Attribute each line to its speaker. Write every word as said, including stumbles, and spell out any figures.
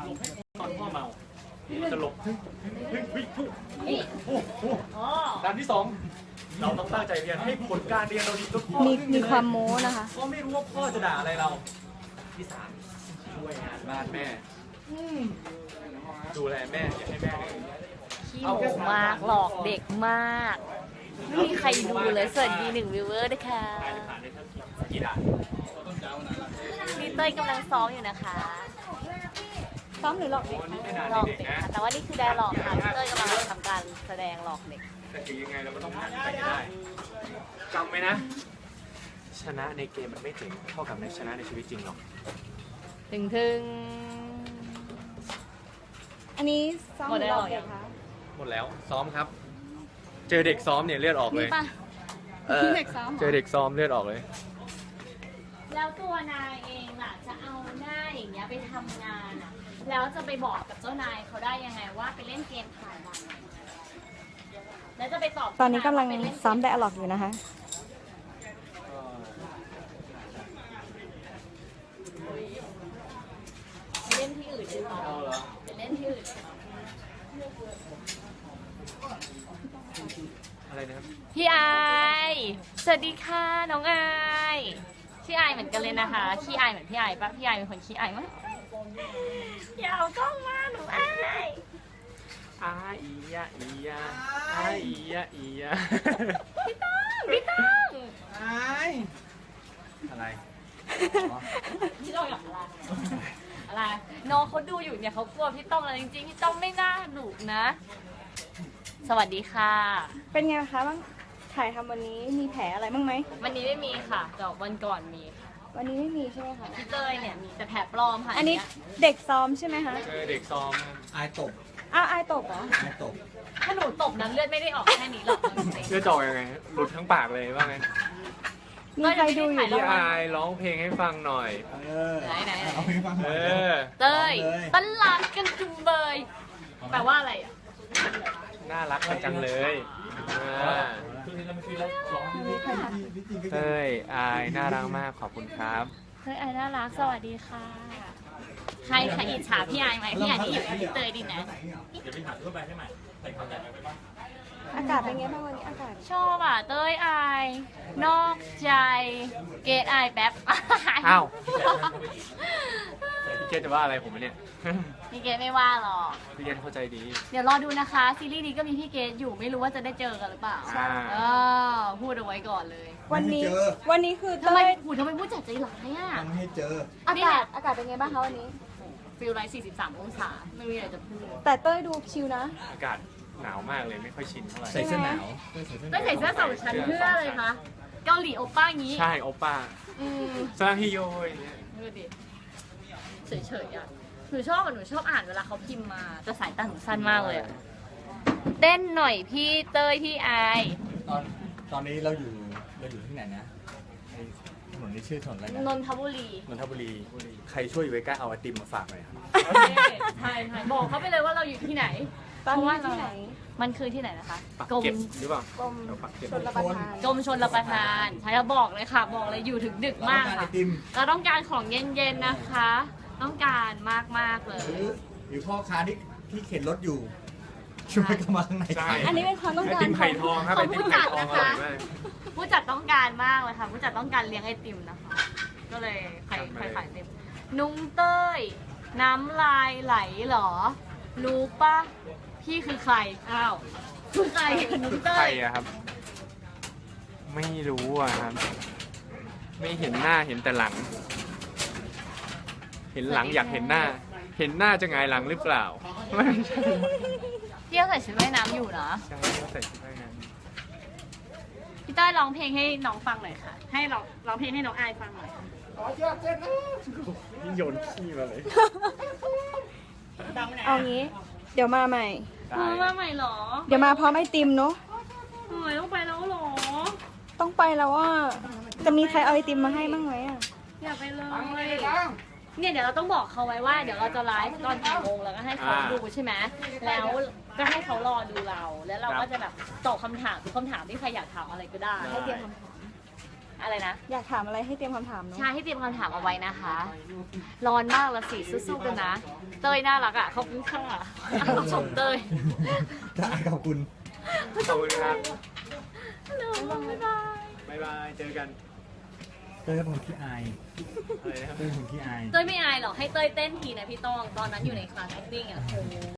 Speaker 1: ตอนพ่อเมาจะหลบเฮ้ยเฮ้ยเฮ้ยเฮ้ยโอ้โหด้านที่สองเราต้องตั้งใจเรียนให้ผลการเรียนเราดีจนพ่อ
Speaker 2: มีมีความโม้นะคะ
Speaker 1: พ่อไม่รู้ว่าพ่อจะด่าอะไรเราที่สามช่วยงานบ้านแม่ดูแลแม่อย่าให้แม่เลย
Speaker 3: ขี้โหมากหลอกเด็กมากไม่มีใครดูเลยสวัสดีหนึ่งวิวเวอร์นะคะ
Speaker 1: ผ่านได้เท่ากี่ด่าน
Speaker 3: พี่เต้ยกำลังซ้อมอยู่นะคะ
Speaker 2: ซ้อมหรือหลอกเด็ก
Speaker 1: วันนี้ไม่นาน
Speaker 3: หลอก
Speaker 1: เด็ก
Speaker 3: เด็ก
Speaker 1: นะ
Speaker 3: ค่ะแต่ว่านี่คือไดร์หลอกค่ะพี่เต้ยกำลังทำการแสดงหลอกเด็ก
Speaker 1: แต่ถึงยังไงเราก็ต้องผ่านไปให้ได้จำไว้นะ ชนะในเกมมันไม่ถึงเท่ากับในชนะในชีวิตจริงหรอก
Speaker 3: ถึงถึง
Speaker 2: อันนี้ซ้อมหรือหลอกเด็กคะ
Speaker 1: หมดแล้วซ้อมครับ เจอเด็กซ้อมเนี่ยเลือดออกเลย
Speaker 3: นี่ป่ะ
Speaker 1: เออ
Speaker 2: เด็กซ้อมเหร
Speaker 1: เจอเด็กซ้อมเลือดออกเลย
Speaker 3: แล้วตัวนายเองล่ะจะเอาหน้าอย่างเงี้ยไปทำงานอ่ะแล้วจะไปบอกกับเจ้านายเขาได้ยังไงว่าไปเล่นเกมผ่านวันแล้วจะไปตอบ
Speaker 2: ตอนนี้กำลัง
Speaker 3: ไปเล่นเม
Speaker 2: ซ้อมไดอะล็อกอยู่นะคะ
Speaker 3: ไปเล่นที่อื่นดีกว่าไปเล่นที่อื่น
Speaker 1: อะไรนะครับ
Speaker 3: พี่ไอายสวัสดีค่ะน้องไอายพี่ไอายเหมือนกันเลยนะคะขี้อายเหมือนพี่ไอายปะพี่ไอายเป็นคนขี้อายมั้งอย่าเอากล้องมาหนูอาย
Speaker 1: อาอียะอียะอาอียะอียะ
Speaker 3: พี่ต้องพี่ต้อง
Speaker 1: อะไร
Speaker 3: พี่ต้องอยากอะไรอะไรน้องเขาดูอยู่เนี่ยเขากลัวพี่ต้องอะไรจริงๆพี่ต้องไม่น่าดุนะ สวัสดีค่ะ
Speaker 2: เป็นไงคะบ้างถ่ายทำวันนี้มีแผลอะไรบ้างไหม
Speaker 3: วันนี้ไม่มีค่ะแต่วันก่อนมีค่ะ
Speaker 2: วันนี้ไม่มีใช่ไหมคะ
Speaker 3: พี่เต้ยเนี่ยมีแต่แผลปลอมค่ะ
Speaker 2: อันนี้เด็กซ้อมใช่ไหมคะ
Speaker 1: เจอเด็กซ้อม
Speaker 4: อายตบ
Speaker 2: อ้าวอายตบเหรอ
Speaker 4: อายตบ
Speaker 3: ถ้าหนูตบนั้นเลือดไม่ได้ออกแค่นี้หรอกจริง
Speaker 1: เลือดจอกยังไง หลุดทั้งปากเลยว่าไง
Speaker 2: มีใครดูอยู่
Speaker 1: พี่
Speaker 2: บ้าง
Speaker 1: อายร้องเพลงให้ฟังหน่อย
Speaker 4: เออ
Speaker 3: ไหนไหนไหน
Speaker 4: เอาเพลงฟังหน่
Speaker 1: เอ
Speaker 4: อย
Speaker 1: อ
Speaker 3: เต้ยตลาดกันจุงเบยแปลว่าอะไรอ่ะ
Speaker 1: น่ารักกันจังเลยอ่าเต้ยอายน่ารักมากขอบคุณครับ
Speaker 3: เฮ้ยไอน่ารักสวัสดีค่ะ ใครใครอิจฉาพี่ไอไหมพี่ไอนี่อยู่กับพี่เตยดีนะ
Speaker 2: อากาศเป็นไงบ้างวันนี้อากาศ
Speaker 3: ชอบอ่ะเต้ยไอนอกใจเกตไอแป๊บ
Speaker 1: อ้าว พี่เกดจะว่าอะไรผมเนี่ย
Speaker 3: พี่เกตไม่ว่าหรอก
Speaker 1: พี่เกดเข้าใจดี
Speaker 3: เดี๋ยวรอดูนะคะซีรีส์นี้ก็มีพี่เกตอยู่ไม่รู้ว่าจะได้เจอกันหรือเปล่า
Speaker 1: ใช่
Speaker 3: เออพูดเอาไว้ก่อนเลย
Speaker 2: วันนี้วันนี้คือ
Speaker 3: ทำไม
Speaker 2: เต้ย
Speaker 3: หูทำไมพูดจัดใจร้ายอ่ะ
Speaker 4: ยังไม่ให้เจอ
Speaker 2: อากาศอากาศเป็นไงบ้างคะวันนี้
Speaker 3: ฟิลไลท์สี่สิบสามองศาไม่มีอะไรจะพูด
Speaker 2: แต่เต้ยดูชิลนะ
Speaker 1: อากาศหนาวมากเลยไม่ค่อยชินเท่าไหร่
Speaker 4: ใส่เสื้อหนาว
Speaker 3: ก็ใส่เสื้อสองชั้นเพื่อเลยคะเกาหลีโอป้างี้
Speaker 1: ใช่โอป้า
Speaker 3: อืม
Speaker 1: ซาฮิโยอย่างเงี้ย
Speaker 3: ดูดิเฉยๆอ่ะหนูชอบอ่ะหนูชอบอ่านเวลาเขาพิมพ์มาแต่สายตาหนูสั้นมากเลยอะเต้นหน่อยพี่เต้ยพี่อาย
Speaker 4: ตอนตอนนี้เราอยู่เราอยู่ที่ไหนนะไอ้ถนนนี้ชื่อถนนอะไร
Speaker 3: น
Speaker 4: นะ
Speaker 3: นทบุรี
Speaker 4: นนทบุรี ใครช่วยอยู่ใกล้ๆเอาไอติมมาฝากหน่อยครับ
Speaker 3: ใช่ใช่บอกเขาไปเลยว่าเราอยู่ที่ไหน
Speaker 2: ตอน
Speaker 3: เพราะ
Speaker 2: นี้
Speaker 3: ว่า
Speaker 2: ที่ไหน
Speaker 3: มันคือที่ไหนนะคะ
Speaker 1: ปัก
Speaker 3: กรม
Speaker 1: เก็บหรือเปล่าก
Speaker 2: รม
Speaker 1: เดี๋ยวปักเก็บ
Speaker 2: ชนรับประทาน
Speaker 3: กรมชนรับประทานใช่แล้วบอกเลยค่ะ บอกเลยอยู่ถึงดึกมาก
Speaker 4: เราต้องการไอ
Speaker 3: ค่ะ
Speaker 4: ติม
Speaker 3: เราต้องการของเย็นๆนะคะ ต้องการมากๆเล
Speaker 4: ห
Speaker 3: ย
Speaker 4: รือหรือพ่อค้าที่ที่เข็นรถอยู่ ช่วยเข้ามาข้างใน
Speaker 1: ใช่
Speaker 4: ขาย
Speaker 2: อันนี้เป็นความต้อง
Speaker 1: ไอ
Speaker 2: การ
Speaker 1: ติมไข่ทองครับ
Speaker 3: ข
Speaker 1: ไอ
Speaker 3: อง
Speaker 1: ติ
Speaker 3: ผู้
Speaker 1: มไข่
Speaker 3: จัด
Speaker 1: ทอง
Speaker 3: นะ
Speaker 1: อร่
Speaker 3: คะ
Speaker 1: อยมาก
Speaker 3: ผู้จัดต้องการมากเลยค่ะ ผู้จัดต้องการเลี้ยงไอติมนะคะ ก็เลยใครใครขายไอติมนุ้งเต้ย น้ำลายไหลเหรอ รู้ปะพี่คือใคร อ้าวคือใครนุ้งเต้
Speaker 1: ใคร
Speaker 3: ย
Speaker 1: อะครับ ไม่รู้อะครับ ไม่เห็นหน้าเห็นแต่หลัง เห็นหลังอยากเห็นหน้า เห็นหน้าจะหงายหลังหรือเปล่าไม่ใช่
Speaker 3: พี่เขาใส่ชุดว่ายน้ำอยู่นะ
Speaker 1: ใช่เขาใส่ชุดว่ายน้
Speaker 3: พี่เต้ยร้องเพลงให้น้องฟังหน่อยค่ะ ให้ร้องร้องเพลงให้น้องอายฟังหน่อย
Speaker 1: ำนี่โยนขี้มาเลย
Speaker 2: เอางี้ เดี๋ยวมาใหม่
Speaker 1: ได้
Speaker 3: เออมาใหม่เหรอ
Speaker 2: เดี๋ยวมาพร้อมไอติมเนาะ
Speaker 3: เฮ้ยต้องไปแล้วเหรอ
Speaker 2: ต้องไปแล้วว่าจะมีใครเอาไอติมมาให้บ้างไหมอ่ะ
Speaker 3: อย่าไปเลยเนี่ยเดี๋ยวเราต้องบอกเขาไว้ว่าเดี๋ยวเราจะไลฟ์ตอนกี่โมงแล้วก็ให้เขาดูใช่ไหมแล้วก็ให้เขารอดูเรา แล้วเราก็จะแบบตอบคำถามทุกคำถามที่ใครอยากถามอะไรก็ได้
Speaker 1: ให้เตรียมค
Speaker 3: อะไรนะ
Speaker 2: อยากถามอะไรให้เตรียมคำถามเนาะ
Speaker 3: ใช่ให้เตรียมคำถามเอาไว้นะคะ ร้อนมากละสิสู้ๆกันนะ เต้ยน่ารักอ่ะขอบคุณค่ะต้องชมเต้ย
Speaker 4: จะขอบคุณ
Speaker 1: ขอบคุณครับ
Speaker 3: ฮัลโหลบ๊ายบาย
Speaker 1: บ๊ายบาย เจอกัน
Speaker 4: เต้ยเป็นคนขี้อาย
Speaker 1: อะไรนะครับ
Speaker 4: เต้ยเป็นคนขี้อาย
Speaker 3: เต้ยไม่อายหรอกให้เต้ยเต้นทีนะพี่ต้องตอนนั้นอยู่ในคลาส acting อ่ะโอ้โห